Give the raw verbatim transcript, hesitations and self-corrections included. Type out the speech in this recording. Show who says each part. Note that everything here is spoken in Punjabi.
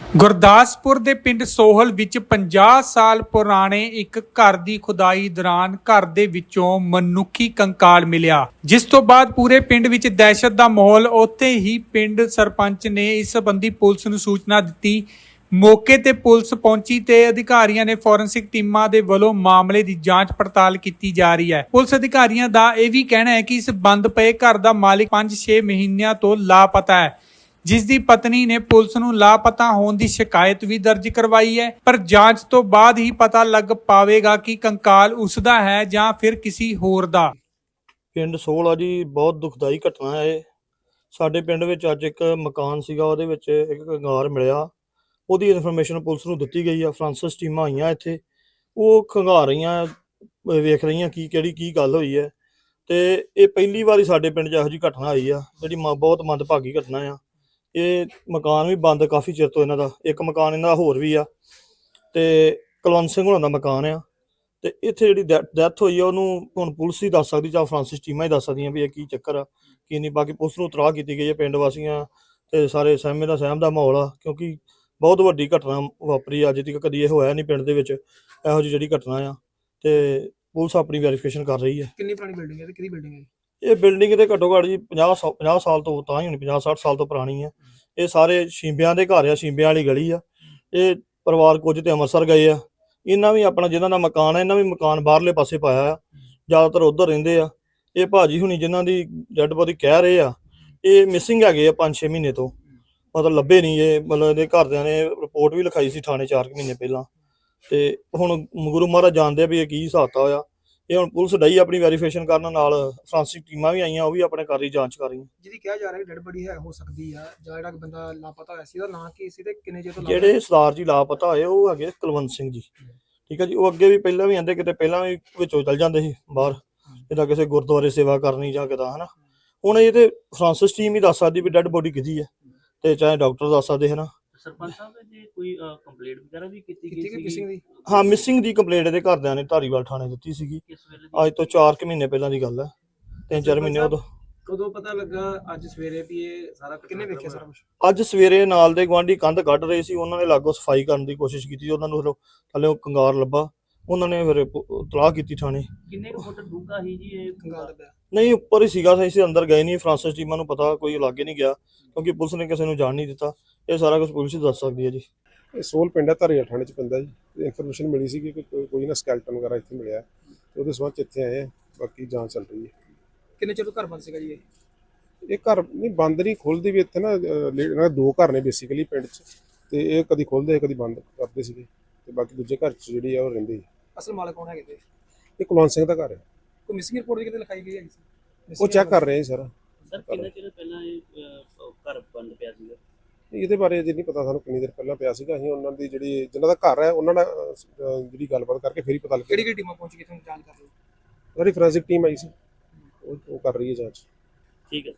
Speaker 1: ਗੁਰਦਾਸਪੁਰ ਦੇ ਪਿੰਡ ਸੋਹਲ ਵਿੱਚ ਪੰਜਾਹ ਸਾਲ ਪੁਰਾਣੇ ਇੱਕ ਘਰ ਦੀ ਖੁਦਾਈ ਦੌਰਾਨ ਘਰ ਦੇ ਵਿੱਚੋਂ ਮਨੁੱਖੀ ਕੰਕਾਲ ਮਿਲਿਆ, ਜਿਸ ਤੋਂ ਬਾਅਦ ਪੂਰੇ ਪਿੰਡ ਵਿੱਚ ਦਹਿਸ਼ਤ ਦਾ ਮਾਹੌਲ। ਉੱਥੇ ਹੀ ਪਿੰਡ ਸਰਪੰਚ ਨੇ ਇਸ ਸੰਬੰਧੀ ਪੁਲਿਸ ਨੂੰ ਸੂਚਨਾ ਦਿੱਤੀ। ਮੌਕੇ ਤੇ ਪੁਲਿਸ ਪਹੁੰਚੀ ਤੇ ਅਧਿਕਾਰੀਆਂ ਨੇ ਫੋਰੈਂਸਿਕ ਟੀਮਾਂ ਦੇ ਵੱਲੋਂ ਮਾਮਲੇ ਦੀ ਜਾਂਚ ਪੜਤਾਲ ਕੀਤੀ ਜਾ ਰਹੀ ਹੈ। ਪੁਲਿਸ ਅਧਿਕਾਰੀਆਂ ਦਾ ਇਹ ਵੀ ਕਹਿਣਾ ਹੈ ਕਿ ਇਸ ਬੰਦ ਪਏ ਘਰ ਦਾ ਮਾਲਿਕ ਪੰਜ ਛੇ ਮਹੀਨਿਆਂ ਤੋਂ ਲਾਪਤਾ ਹੈ, ਜਿਸ ਦੀ ਪਤਨੀ ਨੇ ਪੁਲਿਸ ਨੂੰ ਲਾਪਤਾ ਹੋਣ ਦੀ ਸ਼ਿਕਾਇਤ ਵੀ ਦਰਜ ਕਰਵਾਈ ਹੈ। ਪਰ ਜਾਂਚ ਤੋਂ ਬਾਅਦ ਹੀ ਪਤਾ ਲੱਗ ਪਾਵੇਗਾ ਕਿ ਕੰਕਾਲ ਉਸ ਦਾ ਹੈ ਜਾਂ ਫਿਰ ਕਿਸੇ ਹੋਰ ਦਾ।
Speaker 2: ਪਿੰਡ ਸੋਹਲ ਆ ਜੀ, ਬਹੁਤ ਦੁਖਦਾਈ ਘਟਨਾ ਹੈ। ਸਾਡੇ ਪਿੰਡ ਵਿੱਚ ਅੱਜ ਇੱਕ ਮਕਾਨ ਸੀਗਾ, ਉਹਦੇ ਵਿੱਚ ਇੱਕ ਕੰਗਾਲ ਮਿਲਿਆ। ਉਹਦੀ ਇਨਫੋਰਮੇਸ਼ਨ ਪੁਲਿਸ ਨੂੰ ਦਿੱਤੀ ਗਈ ਆ। ਫਰਾਂਸਿਸ ਟੀਮਾਂ ਆਈਆਂ ਇੱਥੇ, ਉਹ ਖੰਗਾਰ ਰਹੀਆਂ, ਵੇਖ ਰਹੀਆਂ ਕੀ ਕਿਹੜੀ ਕੀ ਗੱਲ ਹੋਈ ਹੈ। ਤੇ ਇਹ ਪਹਿਲੀ ਵਾਰੀ ਸਾਡੇ ਪਿੰਡ 'ਚ ਇਹੋ ਜਿਹੀ ਘਟਨਾ ਆਈ ਆ, ਜਿਹੜੀ ਬਹੁਤ ਮੰਦਭਾਗੀ ਘਟਨਾ ਆ। ਇਹ ਮਕਾਨ ਵੀ ਬੰਦ ਕਾਫੀ ਚਿਰ ਤੋਂ ਇਹਨਾਂ ਦਾ। ਇੱਕ ਮਕਾਨ ਇਹਨਾਂ ਦਾ ਹੋਰ ਵੀ ਆ, ਤੇ ਕੁਲਵੰਤ ਸਿੰਘ ਹੋਣਾ ਦਾ ਮਕਾਨ ਆ। ਤੇ ਇੱਥੇ ਜਿਹੜੀ ਡੈਥ ਹੋਈ ਆ, ਉਹਨੂੰ ਹੁਣ ਪੁਲਿਸ ਹੀ ਦੱਸ ਸਕਦੀ, ਜਾਂ ਫਰਾਂਸਿਸ ਟੀਮਾਂ ਹੀ ਦੱਸ ਸਕਦੀਆਂ ਵੀ ਇਹ ਕੀ ਚੱਕਰ ਆ ਕੀ ਨਹੀਂ। ਬਾਕੀ ਪੁਲਿਸ ਨੂੰ ਇਤਲਾਹ ਕੀਤੀ ਗਈ ਹੈ। ਪਿੰਡ ਵਾਸੀਆਂ ਤੇ ਸਾਰੇ ਸਹਿਮੇ ਦਾ ਸਹਿਮ ਦਾ ਮਾਹੌਲ ਆ, ਕਿਉਂਕਿ ਬਹੁਤ ਵੱਡੀ ਘਟਨਾ ਵਾਪਰੀ ਅੱਜ ਤੱਕ ਕਦੀ ਇਹ ਹੋਇਆ ਨਹੀਂ ਪਿੰਡ ਦੇ ਵਿੱਚ ਇਹੋ ਜਿਹੀ ਜਿਹੜੀ ਘਟਨਾ ਆ। ਤੇ ਪੁਲਿਸ ਆਪਣੀ ਵੈਰੀਫਿਕੇਸ਼ਨ ਕਰ ਰਹੀ ਹੈ।
Speaker 3: ਕਿੰਨੀ ਪੁਰਾਣੀ ਬਿਲਡਿੰਗ ਹੈ ਤੇ ਕਿਹਦੀ ਬਿਲਡਿੰਗ ਹੈ?
Speaker 2: ਇਹ ਬਿਲਡਿੰਗ ਤੇ ਘੱਟੋ ਘੱਟ ਜੀ ਪੰਜਾਹ ਪੰਜਾਹ ਸਾਲ ਤੋਂ ਤਾਂ ਹੀ ਹੋਣੀ, ਪੰਜਾਹ ਸੱਠ ਸਾਲ ਤੋਂ ਪੁਰਾਣੀ ਆ। ਇਹ ਸਾਰੇ ਸ਼ੀਂਬਿਆਂ ਦੇ ਘਰ ਆ, ਸ਼ੀਂਬਿਆਂ ਵਾਲੀ ਗਲੀ ਆ। ਇਹ ਪਰਿਵਾਰ ਕੁਝ ਤੇ ਅੰਮ੍ਰਿਤਸਰ ਗਏ ਆ। ਇਹਨਾਂ ਵੀ ਆਪਣਾ ਜਿਹਨਾਂ ਦਾ ਮਕਾਨ ਹੈ, ਇਹਨਾਂ ਵੀ ਮਕਾਨ ਬਾਹਰਲੇ ਪਾਸੇ ਪਾਇਆ ਆ, ਜ਼ਿਆਦਾਤਰ ਉੱਧਰ ਰਹਿੰਦੇ ਆ। ਇਹ ਭਾਜੀ ਹੁਣੀ ਜਿਨ੍ਹਾਂ ਦੀ ਡੈਡ ਬੋਡੀ ਕਹਿ ਰਹੇ ਆ, ਇਹ ਮਿਸਿੰਗ ਹੈਗੇ ਆ ਪੰਜ ਛੇ ਮਹੀਨੇ ਤੋਂ, ਮਤਲਬ ਲੱਭੇ ਨਹੀਂ। ਇਹ ਮਤਲਬ ਇਹਦੇ ਘਰਦਿਆਂ ਨੇ ਰਿਪੋਰਟ ਵੀ ਲਿਖਾਈ ਸੀ ਥਾਣੇ ਚਾਰ ਕੁ ਮਹੀਨੇ ਪਹਿਲਾਂ। ਤੇ ਹੁਣ ਗੁਰੂ ਮਹਾਰਾਜ ਜਾਣਦੇ ਆ ਵੀ ਇਹ ਕੀ ਹਿਸਾਬ ਹੋਇਆ ਆ। ਇਹ ਹੁਣ ਪੁਲਿਸ ਡਈ ਆਪਣੀ ਵੈਰੀਫਿਕੇਸ਼ਨ ਕਰਨ, ਨਾਲ ਫਰਾਂਸਿਕ ਟੀਮਾਂ ਵੀ ਆਈਆਂ, ਉਹ ਵੀ ਆਪਣੇ ਕਰ ਰਹੀ ਜਾਂਚ ਕਰ ਰਹੀਆਂ।
Speaker 3: ਜਿਹਦੀ ਕਿਹਾ ਜਾ ਰਿਹਾ ਡੈਡ ਬੋਡੀ ਹੈ ਹੋ ਸਕਦੀ ਆ, ਜਾਂ ਜਿਹੜਾ ਬੰਦਾ ਲਾਪਤਾ ਹੋਇਆ ਸੀ ਉਹਦਾ ਨਾਂ ਕੀ ਸੀ ਤੇ ਕਿੰਨੇ ਚਿਰ ਤੋਂ?
Speaker 2: ਜਿਹੜੇ ਸਰਦਾਰ ਜੀ ਲਾਪਤਾ ਹੋਏ ਉਹ ਹੈਗੇ ਕੁਲਵੰਤ ਸਿੰਘ ਜੀ, ਠੀਕ ਹੈ ਜੀ। ਉਹ ਅੱਗੇ ਵੀ ਪਹਿਲਾਂ ਵੀ ਆਂਦੇ, ਕਿਤੇ ਪਹਿਲਾਂ ਵੀ ਵਿੱਚੋਂ ਚੱਲ ਜਾਂਦੇ ਸੀ ਬਾਹਰ, ਜਿੱਦਾਂ ਕਿਸੇ ਗੁਰਦੁਆਰੇ ਸੇਵਾ ਕਰਨੀ ਜਾਂ ਕਿਦਾਂ, ਹਨਾ। ਹੁਣ ਇਹ ਤੇ ਫਰਾਂਸਿਸ ਟੀਮ ਹੀ ਦੱਸ ਸਕਦੀ ਵੀ ਡੈਡ ਬੋਡੀ ਕਿਹਦੀ ਹੈ, ਤੇ ਚਾਹੇ ਡਾਕਟਰ ਦੱਸ ਸਕਦੇ ਹਨਾ।
Speaker 4: ਸਰਪੰਚ ਸਾਹਿਬ ਜੀ ਕੋਈ ਕੰਪਲੇਂਟ ਵਗੈਰਾ ਵੀ ਕੀਤੀ ਗਈ ਸੀ
Speaker 3: ਮਿਸਿੰਗ ਦੀ?
Speaker 2: ਹਾਂ, ਮਿਸਿੰਗ ਦੀ ਕੰਪਲੇਂਟ ਇਹਦੇ ਘਰਦਿਆਂ ਨੇ ਧਾਰੀਵਾਲ ਥਾਣੇ ਦਿੱਤੀ ਸੀਗੀ। ਅੱਜ ਤੋਂ ਚਾਰ ਕੁ ਮਹੀਨੇ ਪਹਿਲਾਂ ਦੀ ਗੱਲ ਹੈ, ਤਿੰਨ ਚਾਰ ਮਹੀਨੇ ਉਦੋਂ।
Speaker 3: ਕਦੋਂ ਪਤਾ ਲੱਗਾ ਅੱਜ ਸਵੇਰੇ ਵੀ ਇਹ ਸਾਰਾ ਕਿੰਨੇ ਵੇਖਿਆ ਸਾਰਾ ਕੁਝ?
Speaker 2: ਅੱਜ ਸਵੇਰੇ ਨਾਲ ਦੇ ਗੁਆਂਢੀ ਕੰਧ ਕੱਢ ਰਹੇ ਸੀ, ਉਹਨਾਂ ਨੇ ਲਾਗੋਂ ਸਫਾਈ ਕਰਨ ਦੀ ਕੋਸ਼ਿਸ਼ ਕੀਤੀ। ਉਹਨਾਂ ਨੂੰ ਥੱਲੇ ਕੰਗਾਰ ਲੱਭਾ, ਉਹਨਾਂ ਨੇ ਫਿਰ ਇਤਲਾਹ ਕੀਤੀ ਥਾਣੇ।
Speaker 4: ਕਿੰਨੇ ਕੁ ਫੁੱਟ ਡੂੰਘਾ ਸੀ ਜੀ ਇਹ ਕੰਗਾਲ ਦਾ ਪਿਆ?
Speaker 2: ਨਹੀਂ, ਉੱਪਰ ਹੀ ਸੀਗਾ, ਅਸੀਂ ਅੰਦਰ ਗਏ ਨਹੀਂ। ਫਰਾਂਸਿਸ ਟੀਮਾਂ ਨੂੰ ਪਤਾ, ਕੋਈ ਲਾਗੇ ਨਹੀਂ ਗਿਆ, ਕਿਉਂਕਿ ਪੁਲਿਸ ਨੇ ਕਿਸੇ ਨੂੰ ਜਾਣ ਨਹੀਂ ਦਿੱਤਾ। ਇਹ ਸਾਰਾ ਕੁਝ ਪੁਲਿਸ ਹੀ ਦੱਸ ਸਕਦੀ ਹੈ ਜੀ।
Speaker 5: ਇਹ ਸੋਹਲ ਪਿੰਡ ਹੈ, ਧਾਰੀਵਾਲ ਥਾਣੇ 'ਚ ਪੈਂਦਾ ਜੀ। ਇਨਫੋਰਮੇਸ਼ਨ ਮਿਲੀ ਸੀ ਕਿ ਕੋਈ ਨਾ ਸਕੈਲਟਨ ਵਗੈਰਾ ਇੱਥੇ ਮਿਲਿਆ, ਤੇ ਉਹਦੇ ਸੰਬੰਧ 'ਚ ਇੱਥੇ ਆਏ ਆ। ਬਾਕੀ ਜਾਂਚ ਚੱਲ ਰਹੀ ਹੈ।
Speaker 3: ਕਿੰਨੇ ਚਿਰ ਤੋਂ ਘਰ ਬੰਦ ਸੀਗਾ ਜੀ ਇਹ?
Speaker 5: ਇਹ ਘਰ ਨਹੀਂ ਬੰਦ ਨਹੀਂ, ਖੁੱਲ੍ਹਦੀ ਵੀ ਇੱਥੇ ਨਾ। ਇਹਨਾਂ ਦੇ ਦੋ ਘਰ ਨੇ ਬੇਸਿਕਲੀ ਪਿੰਡ 'ਚ, ਤੇ ਇਹ ਕਦੀ ਖੁੱਲ੍ਹਦੇ ਕਦੀ ਬੰਦ ਕਰਦੇ ਸੀਗੇ, ਤੇ ਬਾਕੀ ਦੂਜੇ ਘਰ 'ਚ ਜਿਹੜੀ ਆ ਉਹ ਰਹਿੰਦੇ।
Speaker 3: ਅਸਲ ਮਾਲਕ ਕੌਣ ਹੈਗੇ ਤੇ?
Speaker 5: ਇਹ ਕੁਲਵੰਤ ਸਿੰਘ ਦਾ ਘਰ ਹੈ।
Speaker 3: ਕੋਈ ਮਿਸਿੰਗ ਰਿਪੋਰਟ ਵੀ ਕਿਤੇ ਲਿਖਾਈ ਗਈ ਹੈ?
Speaker 5: ਉਹ ਚੈੱਕ ਕਰ ਰਹੇ ਆ ਸਰ।
Speaker 4: ਸਰ ਕਿੰਨੇ ਚਿਰ ਪਹਿਲਾਂ ਇਹ ਘਰ ਬੰਦ ਪਿਆ ਸੀਗਾ?
Speaker 5: ਇਹਦੇ ਬਾਰੇ ਅਜੇ ਨਹੀਂ ਪਤਾ ਸਾਨੂੰ ਕਿੰਨੀ ਦੇਰ ਪਹਿਲਾਂ ਪਿਆ ਸੀਗਾ। ਅਸੀਂ ਉਹਨਾਂ ਦੀ ਜਿਹੜੀ ਜਿਨ੍ਹਾਂ ਦਾ ਘਰ ਹੈ ਉਹਨਾਂ ਨਾਲ ਜਿਹੜੀ ਗੱਲਬਾਤ ਕਰਕੇ ਫਿਰ ਹੀ ਪਤਾ ਲੱਗਿਆ।
Speaker 3: ਕਿਹੜੀ ਕਿਹੜੀ ਟੀਮਾਂ ਪਹੁੰਚ ਗਈ ਤੁਹਾਨੂੰ ਜਾਂਚ ਕਰ ਰਹੀ?
Speaker 5: ਸਾਡੀ ਫੋਰੈਂਸਿਕ ਟੀਮ ਆਈ ਸੀ, ਉਹ ਕਰ ਰਹੀ ਹੈ ਜਾਂਚ।
Speaker 4: ਠੀਕ ਹੈ।